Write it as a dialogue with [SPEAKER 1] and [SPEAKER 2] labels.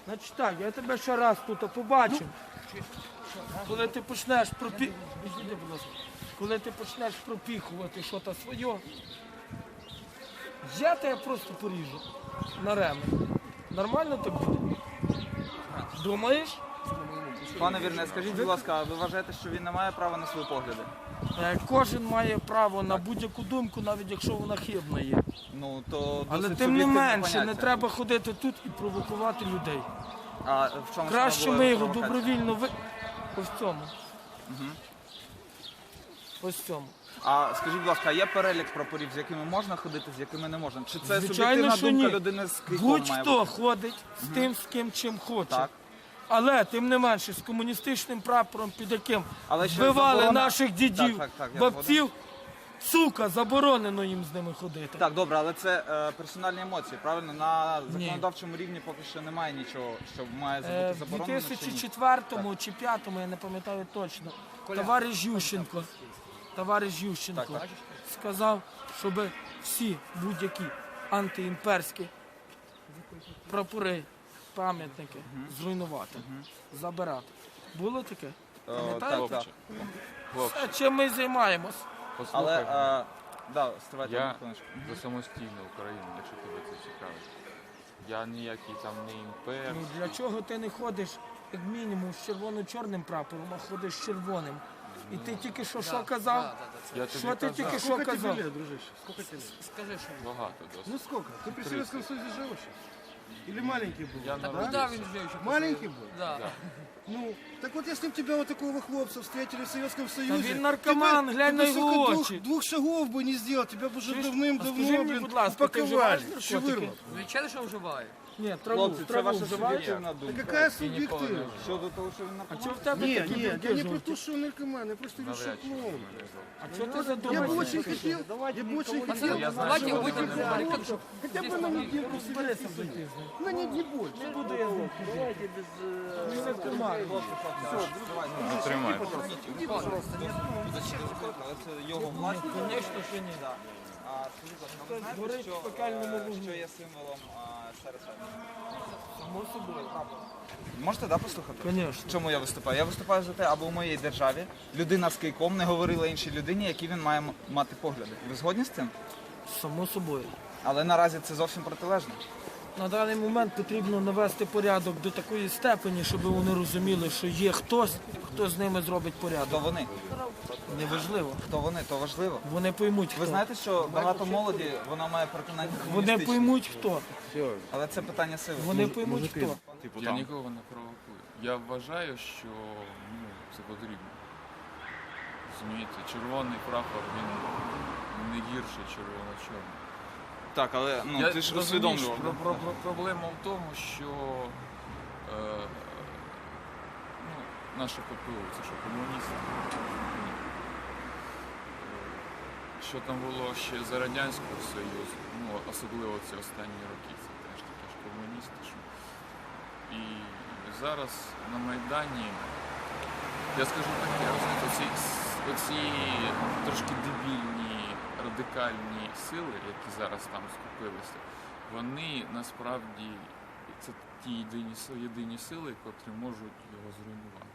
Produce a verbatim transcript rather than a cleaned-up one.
[SPEAKER 1] Значить так, я тебе ще раз тут побачив. Коли ти почнеш пропі... Іди, будь ласка. Коли ти почнеш пропіхувати щось своє, я тебе просто поріжу на ремень. Нормально так буде? Думаєш?
[SPEAKER 2] Пане Вірне, скажіть, будь ласка, а ви вважаєте, що він не має права на свої погляди?
[SPEAKER 1] Е, Кожен має право на будь-яку думку, навіть якщо вона хибна є.
[SPEAKER 2] Ну, то
[SPEAKER 1] Але
[SPEAKER 2] досить
[SPEAKER 1] тим не
[SPEAKER 2] суб'єктивне
[SPEAKER 1] менше, не
[SPEAKER 2] поняття.
[SPEAKER 1] треба ходити тут і провокувати людей.
[SPEAKER 2] А в чому
[SPEAKER 1] Краще
[SPEAKER 2] саме
[SPEAKER 1] ми
[SPEAKER 2] була
[SPEAKER 1] його
[SPEAKER 2] провокація?
[SPEAKER 1] добровільно ви... Ось цьому. Ось цьому.
[SPEAKER 2] А скажіть, будь ласка, а є перелік прапорів, з якими можна ходити, з якими не можна? Чи це
[SPEAKER 1] Звичайно,
[SPEAKER 2] суб'єктивна
[SPEAKER 1] що
[SPEAKER 2] думка
[SPEAKER 1] ні.
[SPEAKER 2] людини з кийком має
[SPEAKER 1] Будь-хто
[SPEAKER 2] бути?
[SPEAKER 1] ходить з тим, з ким чим хоче.
[SPEAKER 2] Так.
[SPEAKER 1] Але тим не менше, з комуністичним прапором, під яким
[SPEAKER 2] Але ще
[SPEAKER 1] вбивали
[SPEAKER 2] заборона-
[SPEAKER 1] наших дідів,
[SPEAKER 2] Так, так, так, я
[SPEAKER 1] бабців, сука, заборонено їм з ними ходити.
[SPEAKER 2] Так, добре, але це е, персональні емоції, правильно? На законодавчому рівні поки що немає нічого, що має
[SPEAKER 1] Е,
[SPEAKER 2] бути
[SPEAKER 1] В
[SPEAKER 2] заборонено. чи ні?
[SPEAKER 1] дві тисячі четвертому чи п'ятому, я не пам'ятаю точно, товариш Ющенко, товариш Ющенко
[SPEAKER 2] Так, так.
[SPEAKER 1] сказав, щоб всі будь-які антиімперські прапори, пам'ятники зруйнувати, забирати. Було таке?
[SPEAKER 2] Е,
[SPEAKER 1] Пам'ятаєте?
[SPEAKER 2] так, так.
[SPEAKER 1] Це чим ми займаємось?
[SPEAKER 2] Але,
[SPEAKER 3] Послухай,
[SPEAKER 2] е, да, стривайте
[SPEAKER 3] я
[SPEAKER 2] одну хвилиночку.
[SPEAKER 3] за самостійну Україну, якщо тебе це цікавить. Я ніякий там не імпер.
[SPEAKER 1] Ну, для чого ти не ходиш, як мінімум, з червоно-чорним прапором, а ходиш з червоним? І ти тільки що що казав?
[SPEAKER 3] Я тобі
[SPEAKER 1] Що ти
[SPEAKER 3] казав,
[SPEAKER 1] тільки що
[SPEAKER 4] Сколько тебе
[SPEAKER 1] казав?
[SPEAKER 4] лет, дружище? Сколько тебе лет?
[SPEAKER 3] багато досить.
[SPEAKER 4] Ну сколько? Ты при Советском Союзе жил еще? Или маленький был?
[SPEAKER 3] Я
[SPEAKER 4] да?
[SPEAKER 3] народився.
[SPEAKER 4] Маленький был?
[SPEAKER 5] Да.
[SPEAKER 4] Ну, так вот если бы тебя вот такого хлопца встретили в Советском Союзе...
[SPEAKER 1] він наркоман,
[SPEAKER 4] ты бы-
[SPEAKER 1] глянь
[SPEAKER 4] ты
[SPEAKER 1] на
[SPEAKER 4] бы,
[SPEAKER 1] його
[SPEAKER 4] сука, двух,
[SPEAKER 1] очі.
[SPEAKER 4] двух шагов бы не сделал, тебя бы уже
[SPEAKER 1] Чуєш? А
[SPEAKER 4] давным-давно,
[SPEAKER 1] скажи мені,
[SPEAKER 4] блин,
[SPEAKER 1] будь ласка, ти
[SPEAKER 4] упаковали,
[SPEAKER 1] вживаєш
[SPEAKER 4] шевырно.
[SPEAKER 1] наркотики?
[SPEAKER 5] Звичайно, що вживаю.
[SPEAKER 1] Ні, траву,
[SPEAKER 2] Хлопці, це
[SPEAKER 1] траву
[SPEAKER 2] ваша
[SPEAKER 1] вживаєш?
[SPEAKER 2] суб'єктивна
[SPEAKER 4] Да
[SPEAKER 2] думка.
[SPEAKER 4] какая субъективность?
[SPEAKER 2] Щодо того, що він
[SPEAKER 1] А
[SPEAKER 2] наркоман?
[SPEAKER 1] чого в тебе
[SPEAKER 4] Нет,
[SPEAKER 1] такі
[SPEAKER 4] нет,
[SPEAKER 1] думки
[SPEAKER 4] я не про
[SPEAKER 1] жовті?
[SPEAKER 4] то, что он наркоман, я просто решил
[SPEAKER 3] Навряд чи
[SPEAKER 4] клоун.
[SPEAKER 3] мене зовут.
[SPEAKER 1] А чого ти
[SPEAKER 4] Я бы
[SPEAKER 1] задумався?
[SPEAKER 4] очень хотел, я бы очень хотел,
[SPEAKER 3] Я знаю,
[SPEAKER 5] Давайте
[SPEAKER 3] що
[SPEAKER 5] выйдем
[SPEAKER 3] вони
[SPEAKER 5] за баррикаду, чтобы
[SPEAKER 4] хотя бы на недельку в Советский Союз. На не, не больше.
[SPEAKER 1] Не буду я з ним ходити. Він не тримає.
[SPEAKER 3] Тримай.
[SPEAKER 2] Але це його власність.
[SPEAKER 1] Звісно, що ні.
[SPEAKER 2] А скажіть, будь ласка, ви
[SPEAKER 1] Горить
[SPEAKER 2] знаєте,
[SPEAKER 1] в
[SPEAKER 2] що,
[SPEAKER 1] пекельному
[SPEAKER 2] е,
[SPEAKER 1] вогні.
[SPEAKER 2] що є символом е, ес ер ес ер?
[SPEAKER 1] Само собою.
[SPEAKER 2] Можете, да, послухати?
[SPEAKER 1] Звісно.
[SPEAKER 2] Чому я виступаю? Я виступаю за те, аби у моїй державі людина з кийком не говорила іншій людині, які він має м- мати погляди. Ви згодні з цим?
[SPEAKER 1] Само собою.
[SPEAKER 2] Але наразі це зовсім протилежно.
[SPEAKER 1] На даний момент потрібно навести порядок до такої степені, щоб вони розуміли, що є хтось, хто з ними зробить
[SPEAKER 2] Хто
[SPEAKER 1] порядок.
[SPEAKER 2] вони?
[SPEAKER 1] Неважливо.
[SPEAKER 2] Хто вони? То важливо.
[SPEAKER 1] Вони поймуть,
[SPEAKER 2] Ви
[SPEAKER 1] хто.
[SPEAKER 2] знаєте, що багато молоді, вона має переконання
[SPEAKER 1] Вони
[SPEAKER 2] комуністичні.
[SPEAKER 1] поймуть, хто.
[SPEAKER 2] Але це питання сили.
[SPEAKER 1] Вони поймуть, хто.
[SPEAKER 3] Я нікого не провокую. Я вважаю, що ну, це потрібно. Розумієте, червоний прапор, він не гірший червоно-чорний.
[SPEAKER 2] Так, але ну,
[SPEAKER 3] Я
[SPEAKER 2] ти ж
[SPEAKER 3] розумію,
[SPEAKER 2] усвідомлював.
[SPEAKER 3] про, про, про, проблема в тому, що е, ну, наше ППУ, це що, комуністи? Ні. Е, Що там було ще за Радянського Союзу, ну, особливо ці останні роки, це теж такі ж комуністи. Що... І зараз на Майдані, я скажу таке, розумієте, оці, оці трошки дебільні, радикальні сили, які зараз там скупилися, вони насправді це ті єдині, сили- єдині сили, котрі можуть його зруйнувати.